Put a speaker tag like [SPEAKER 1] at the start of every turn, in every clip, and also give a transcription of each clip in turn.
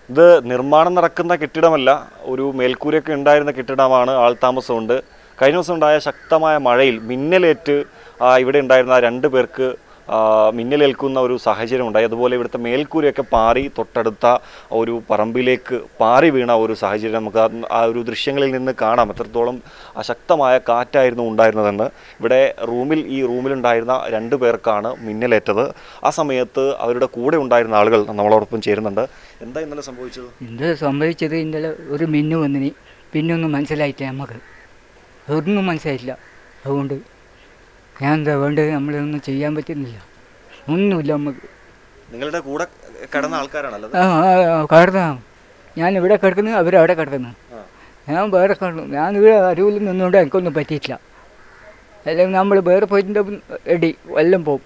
[SPEAKER 1] ഇത് നിർമ്മാണം നടക്കുന്ന കെട്ടിടമല്ല, ഒരു മേൽക്കൂരയൊക്കെ ഉണ്ടായിരുന്ന കെട്ടിടമാണ്. ആൾതാമസമുണ്ട്. കഴിഞ്ഞ ദിവസം ഉണ്ടായ ശക്തമായ മഴയിൽ മിന്നലേറ്റ് ഇവിടെ ഉണ്ടായിരുന്ന 2 പേർക്ക് മിന്നലേൽക്കുന്ന ഒരു സാഹചര്യം ഉണ്ടായി. അതുപോലെ ഇവിടുത്തെ മേൽക്കൂരയൊക്കെ പാറി തൊട്ടടുത്ത ഒരു പറമ്പിലേക്ക് പാറി വീണ ഒരു സാഹചര്യം നമുക്ക് ആ ഒരു ദൃശ്യങ്ങളിൽ നിന്ന് കാണാം. എത്രത്തോളം ശക്തമായ കാറ്റായിരുന്നു ഉണ്ടായിരുന്നതെന്ന്. ഇവിടെ ഈ റൂമിലുണ്ടായിരുന്ന 2 പേർക്കാണ് മിന്നലേറ്റത്. ആ സമയത്ത് അവരുടെ കൂടെ ഉണ്ടായിരുന്ന ആളുകൾ നമ്മളോടൊപ്പം ചേരുന്നുണ്ട്. എന്താ ഇന്നലെ
[SPEAKER 2] സംഭവിച്ചത്? ഇന്നലെ ഒരു മിന്നു വന്നിനി, പിന്നൊന്നും മനസ്സിലായിട്ടില്ല. നമുക്ക് ഒന്നും മനസ്സിലായിട്ടില്ല. അതുകൊണ്ട് ഞാൻ എന്താ വേണ്ടത്? നമ്മളൊന്നും ചെയ്യാൻ പറ്റുന്നില്ല, ഒന്നുമില്ല നമുക്ക്.
[SPEAKER 1] നിങ്ങളുടെ കൂടെ കിടന്ന ആൾക്കാരാണല്ലോ?
[SPEAKER 2] കിടന്ന ഞാൻ ഇവിടെ കിടക്കുന്നു, അവരവിടെ കിടക്കുന്നു. ഞാൻ വേറെ കിടന്നു. ഞാൻ ഇവിടെ അരുവിൽ നിന്നുകൊണ്ട് എനിക്കൊന്നും പറ്റിയിട്ടില്ല. അല്ലെങ്കിൽ നമ്മൾ വേറെ പോയിട്ട് എല്ലാം പോകും.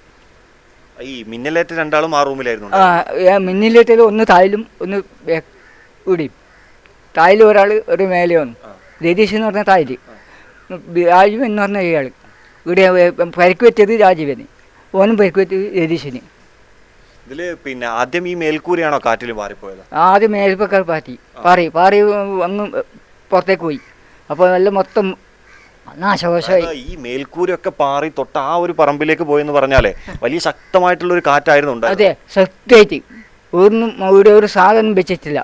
[SPEAKER 1] ഈ മിന്നലേറ്റ 2 ആളും ആ റൂമിലായിരുന്നു?
[SPEAKER 2] മിന്നലേറ്റത് ഒന്ന് തായിലും ഒന്ന് ഇവിടെയും. തായിൽ ഒരാൾ, ഒരു മേലെ വന്നു. രതീഷ് എന്ന് പറഞ്ഞ തായിൽ, രാജീവൻ എന്ന് പറഞ്ഞ ഇയാൾ. ഇവിടെ പരിക്ക് പറ്റിയത് രാജീവന്, ഓനും പരിക്ക് പറ്റിയത് രതീഷിന്.
[SPEAKER 1] ഇതില് പിന്നെ ആദ്യം ഈ മേൽക്കൂരയാണോ കാറ്റിൽ മാറിപ്പോയത്?
[SPEAKER 2] ആദ്യം മേൽപ്പക്കാർ പാറി അങ്ങ് പുറത്തേക്ക് പോയി. അപ്പോൾ നല്ല മൊത്തം നാശകോശമായി.
[SPEAKER 1] ഈ മേൽക്കൂരയൊക്കെ പാറി തൊട്ട ആ ഒരു പറമ്പിലേക്ക് പോയെന്ന് പറഞ്ഞാലേ വലിയ ശക്തമായിട്ടുള്ള ഒരു കാറ്റായിരുന്നു.
[SPEAKER 2] അതെ, സത്യമായിട്ട് ഒന്നും ഇവിടെ ഒരു സാധനം വെച്ചിട്ടില്ല.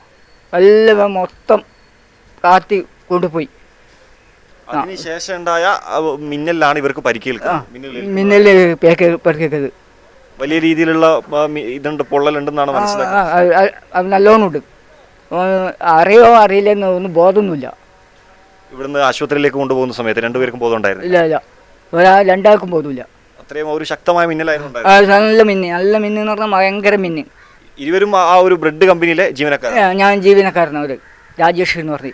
[SPEAKER 2] എല്ലാം മൊത്തം കാത്തി കൊണ്ടുപോയി.
[SPEAKER 1] അതിനുശേഷം ഉണ്ടായ മിന്നലാണ് ഇവർക്ക്
[SPEAKER 2] മിന്നല് പരിക്കേറ്റത്.
[SPEAKER 1] വലിയ രീതിയിലുള്ള ഇതുണ്ട്, പൊള്ളലുണ്ടെന്നാണ് മനസ്സിലാക്കുന്നത്.
[SPEAKER 2] നല്ലോണം ഉണ്ട്. അറിയോ അറിയില്ലെന്ന് ഒന്നും ബോധമൊന്നുമില്ല.
[SPEAKER 1] ഇവിടുന്ന് ആശുപത്രിയിലേക്ക് കൊണ്ടുപോകുന്ന സമയത്ത് 2 പേർക്കും ബോധമുണ്ടായിരുന്നു?
[SPEAKER 2] ഇല്ല, 2 ആൾക്കും ബോധമില്ല.
[SPEAKER 1] അത്രയും ഒരു ശക്തമായ മിന്നലായിരുന്നു.
[SPEAKER 2] നല്ല മിന്ന് എന്ന് പറഞ്ഞാൽ ഭയങ്കര മിന്ന്.
[SPEAKER 1] ഇരുവരും ആ ഒരു ബ്രെഡ് കമ്പനിയിലെ ജീവനക്കാരാണ്?
[SPEAKER 2] ഞാൻ ജീവനക്കാരനാണ്, രാജേഷ് എന്ന് പറഞ്ഞു.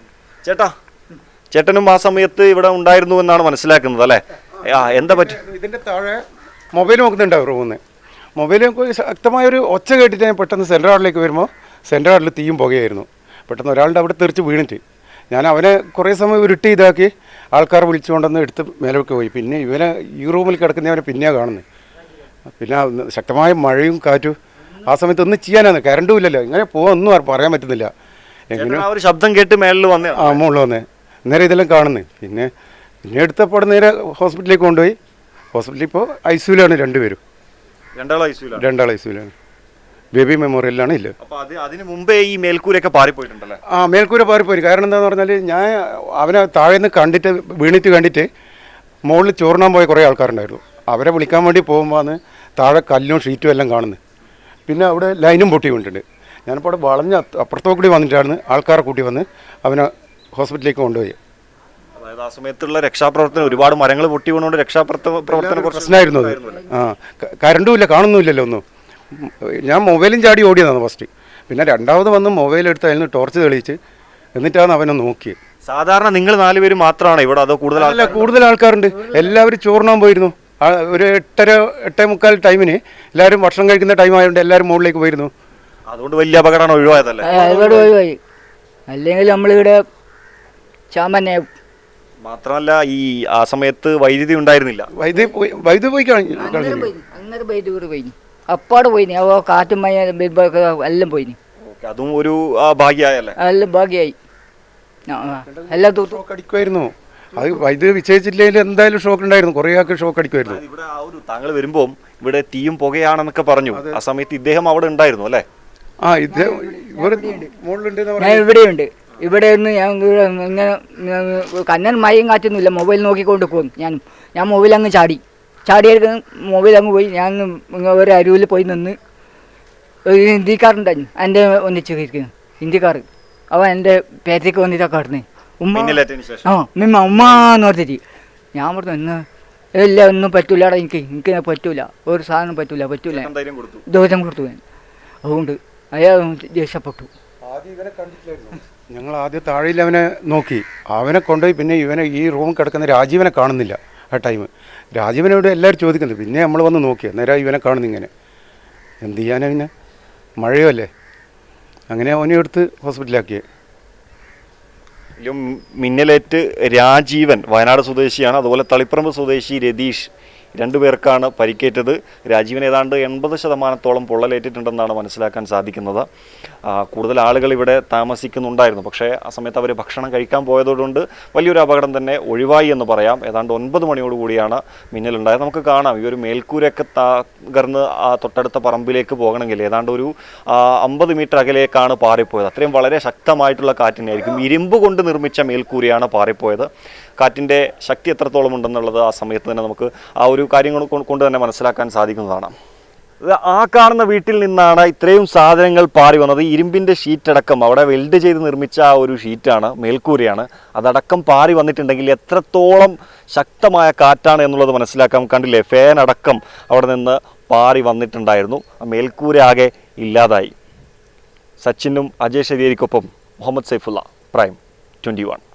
[SPEAKER 1] ചേട്ടനും ആ സമയത്ത് ഇവിടെ ഉണ്ടായിരുന്നു എന്നാണ് മനസ്സിലാക്കുന്നത് അല്ലേ? എന്താ പറ്റും?
[SPEAKER 3] ഇതിൻ്റെ താഴെ മൊബൈൽ നോക്കുന്നുണ്ടാവും റൂമിൽ. മൊബൈൽ ശക്തമായൊരു ഒച്ച കേട്ടിട്ട് ഞാൻ പെട്ടെന്ന് സെൻട്രൽ ഹാളിലേക്ക് വരുമ്പോൾ സെൻട്രൽ ഹാളിൽ തീയും പുകയായിരുന്നു. പെട്ടെന്ന് ഒരാളുടെ അവിടെ തെറിച്ച് വീണിട്ട് ഞാൻ അവനെ കുറേ സമയം ഉരുട്ടി ഇതാക്കി ആൾക്കാർ വിളിച്ചുകൊണ്ടെന്ന് എടുത്ത് മേലേക്ക് പോയി. പിന്നെ ഇവനെ ഈ റൂമിൽ കിടക്കുന്നവനെ പിന്നെയാണ് കാണുന്നത്. പിന്നെ ശക്തമായ മഴയും കാറ്റും. ആ സമയത്ത് ഒന്നും ചെയ്യാനാണ്, കറണ്ടും ഇല്ലല്ലോ, ഇങ്ങനെ ഒന്നും പറയാൻ പറ്റുന്നില്ല.
[SPEAKER 1] എങ്ങനെ ഒരു ശബ്ദം കേട്ട് മേളിൽ വന്നേ?
[SPEAKER 3] മുകളിൽ വന്നേ. നേരെ ഇതെല്ലാം കാണുന്നത്. പിന്നെ എടുത്തപ്പോൾ നേരെ ഹോസ്പിറ്റലിലേക്ക് കൊണ്ടുപോയി. ഹോസ്പിറ്റലിൽ ഇപ്പോൾ ഐസിയുലാണ് 2 പേരും. 2 ഐസിയുലാണ്. ബേബി മെമ്മോറിയലിലാണ്. ഇല്ല,
[SPEAKER 1] അതിന് മുമ്പേ ഈ മേൽക്കൂരൊക്കെ പാറിപ്പോയിട്ടുണ്ടല്ലേ?
[SPEAKER 3] മേൽക്കൂര പാറിപ്പോയി. കാരണം എന്താണെന്ന് പറഞ്ഞാൽ ഞാൻ അവനെ താഴെ നിന്ന് കണ്ടിട്ട് മുകളിൽ ചോറിനാൻ പോയ കുറേ ആൾക്കാരുണ്ടായിരുന്നു. അവരെ വിളിക്കാൻ വേണ്ടി പോകുമ്പോൾ താഴെ കല്ലും ഷീറ്റും എല്ലാം കാണുന്നത്. പിന്നെ അവിടെ ലൈനും പൊട്ടി കൊണ്ടിട്ടുണ്ട്. ഞാനിപ്പോൾ അവിടെ വളഞ്ഞ് അപ്പുറത്തോട്ട് കൂടി വന്നിട്ടാണ് ആൾക്കാരെ കൂട്ടി വന്ന് അവനെ ഹോസ്പിറ്റലിലേക്ക് കൊണ്ടുപോയി.
[SPEAKER 1] അതായത് ആ സമയത്തുള്ള രക്ഷാപ്രവർത്തനം, ഒരുപാട് മരങ്ങൾ പൊട്ടി വീണുകൊണ്ട് രക്ഷാപ്രവർത്തനം
[SPEAKER 3] പ്രശ്നമായിരുന്നു അത്. കറണ്ടും ഇല്ല, കാണുന്നുമില്ലല്ലോ ഒന്നും. ഞാൻ മൊബൈലും ചാടി ഓടിയതാണ് ഫസ്റ്റ്. പിന്നെ രണ്ടാമത് വന്ന് മൊബൈൽ എടുത്ത് അതിന് ടോർച്ച് തെളിയിച്ച് എന്നിട്ടാണ് അവനെ നോക്കിയത്.
[SPEAKER 1] സാധാരണ നിങ്ങൾ 4 പേര് മാത്രമാണ് ഇവിടെ, അതോ
[SPEAKER 3] കൂടുതൽ ആൾക്കാരുണ്ട്? എല്ലാവരും ചോറിനാൻ പോയിരുന്നു. ഒരു 8:45 ടൈമിന് എല്ലാവരും ഭക്ഷണം കഴിക്കുന്ന ടൈം ആയതുകൊണ്ട് എല്ലാവരും മുകളിലേക്ക് പോയിരുന്നു.
[SPEAKER 1] അതുകൊണ്ട് വലിയ അപകടമാണ് ഒഴിവായതല്ലേ?
[SPEAKER 2] ഒഴിവായി. അല്ലെങ്കിൽ നമ്മളിവിടെ
[SPEAKER 1] മാത്രമല്ല ഈ ആ സമയത്ത് വൈദ്യുതി ഉണ്ടായിരുന്നില്ല.
[SPEAKER 3] വൈദ്യുതി പോയി
[SPEAKER 2] അപ്പാട് പോയി. കാറ്റും മഴ എല്ലാം പോയി.
[SPEAKER 1] അതും ഒരു ഭാഗ്യമായല്ലേ?
[SPEAKER 2] എല്ലാം ഭാഗ്യമായി. എല്ലാം
[SPEAKER 3] ഷോക്ക് അടിക്കുമായിരുന്നു. അത് വൈദ്യുതി വിജയിച്ചില്ലെങ്കിൽ എന്തായാലും ഷോക്ക് ഉണ്ടായിരുന്നു. കുറേ ആൾക്ക് ഷോക്ക് അടിക്കുമായിരുന്നു.
[SPEAKER 1] ഇവിടെ ആ ഒരു താങ്കൾ വരുമ്പോൾ ഇവിടെ തീയും പുകയാണെന്നൊക്കെ പറഞ്ഞു. ആ സമയത്ത് ഇദ്ദേഹം അവിടെ ഉണ്ടായിരുന്നു അല്ലേ?
[SPEAKER 2] ഇവിടെയുണ്ട്. ഇവിടെ ഒന്ന് ഞാൻ ഇങ്ങനെ കണ്ണൻ മഴയും കാറ്റൊന്നുമില്ല, മൊബൈൽ നോക്കിക്കൊണ്ട് പോകും. ഞാൻ മൊബൈൽ അങ്ങ് ചാടിയെടുക്കുന്ന മൊബൈൽ അങ്ങ് പോയി. ഞാൻ ഒരു അരുവിൽ പോയി നിന്ന് ഒരു ഹിന്ദിക്കാരുണ്ടായിരുന്നു എൻ്റെ ഒന്നിച്ച് ഇരിക്കുന്നു. ഹിന്ദിക്കാർ അവൻ എൻ്റെ പേരത്തേക്ക് വന്നിട്ടൊക്കെ കിടന്ന് ഉമ്മ എന്ന് പറഞ്ഞിട്ട് ഞാൻ പറഞ്ഞു ഇന്ന് ഇല്ല, ഒന്നും പറ്റൂലടാ, എനിക്ക് പറ്റൂല, ഒരു സാധനം പറ്റൂല ധൈര്യം കൊടുത്തു ഞാൻ. അതുകൊണ്ട് അയാൾ ദേഷ്യപ്പെട്ടു.
[SPEAKER 3] ഞങ്ങൾ ആദ്യം താഴെയിൽ അവനെ നോക്കി, അവനെ കൊണ്ടുപോയി. പിന്നെ ഇവനെ ഈ റൂം കിടക്കുന്ന രാജീവനെ കാണുന്നില്ല ആ ടൈം. രാജീവനോട് എല്ലാവരും ചോദിക്കുന്നത്. പിന്നെ നമ്മൾ വന്ന് നോക്കി, നേരെ ഇവനെ കാണുന്നു. ഇങ്ങനെ എന്ത് ചെയ്യാനാ, പിന്നെ മഴയോ അല്ലേ. അങ്ങനെ അവനെ എടുത്ത് ഹോസ്പിറ്റലാക്കിയത്.
[SPEAKER 1] മിന്നലേറ്റ് രാജീവൻ വയനാട് സ്വദേശിയാണ്. അതുപോലെ തളിപ്പറമ്പ് സ്വദേശി രതീഷ് രണ്ടുപേർക്കാണ് പരിക്കേറ്റത്. രാജീവിന് ഏതാണ്ട് 80% പൊള്ളലേറ്റിട്ടുണ്ടെന്നാണ് മനസ്സിലാക്കാൻ സാധിക്കുന്നത്. കൂടുതൽ ആളുകൾ ഇവിടെ താമസിക്കുന്നുണ്ടായിരുന്നു. പക്ഷേ ആ സമയത്ത് അവർ ഭക്ഷണം കഴിക്കാൻ പോയതുകൊണ്ട് വലിയൊരു അപകടം തന്നെ ഒഴിവായി എന്ന് പറയാം. ഏതാണ്ട് 9 മണിയോടുകൂടിയാണ് മിന്നലുണ്ടായത്. നമുക്ക് കാണാം ഈ ഒരു മേൽക്കൂരയൊക്കെ തകർന്ന് തൊട്ടടുത്ത പറമ്പിലേക്ക് പോകണമെങ്കിൽ ഏതാണ്ട് ഒരു 50 മീറ്റർ അകലേക്കാണ് പാറിപ്പോയത്. അത്രയും വളരെ ശക്തമായിട്ടുള്ള കാറ്റിനായിരിക്കും. ഇരുമ്പ് കൊണ്ട് നിർമ്മിച്ച മേൽക്കൂരയാണ് പാറിപ്പോയത്. കാറ്റിൻ്റെ ശക്തി എത്രത്തോളം ഉണ്ടെന്നുള്ളത് ആ സമയത്ത് തന്നെ നമുക്ക് ആ ഒരു കാര്യങ്ങൾ കൊണ്ട് തന്നെ മനസ്സിലാക്കാൻ സാധിക്കുന്നതാണ്. ആ കാണുന്ന വീട്ടിൽ നിന്നാണ് ഇത്രയും സാധനങ്ങൾ പാറി വന്നത്. ഇരുമ്പിൻ്റെ ഷീറ്റടക്കം അവിടെ വെൽഡ് ചെയ്ത് നിർമ്മിച്ച ആ ഒരു ഷീറ്റാണ്, മേൽക്കൂരയാണ്. അതടക്കം പാറി വന്നിട്ടുണ്ടെങ്കിൽ എത്രത്തോളം ശക്തമായ കാറ്റാണ് എന്നുള്ളത് മനസ്സിലാക്കാം. കണ്ടില്ലേ, ഫാൻ അടക്കം അവിടെ നിന്ന് പാറി വന്നിട്ടുണ്ടായിരുന്നു. ആ മേൽക്കൂര ആകെ ഇല്ലാതായി. സച്ചിനും അജയ് ശരിയേരിക്കൊപ്പം മുഹമ്മദ് സൈഫുള്ള, പ്രൈം 21.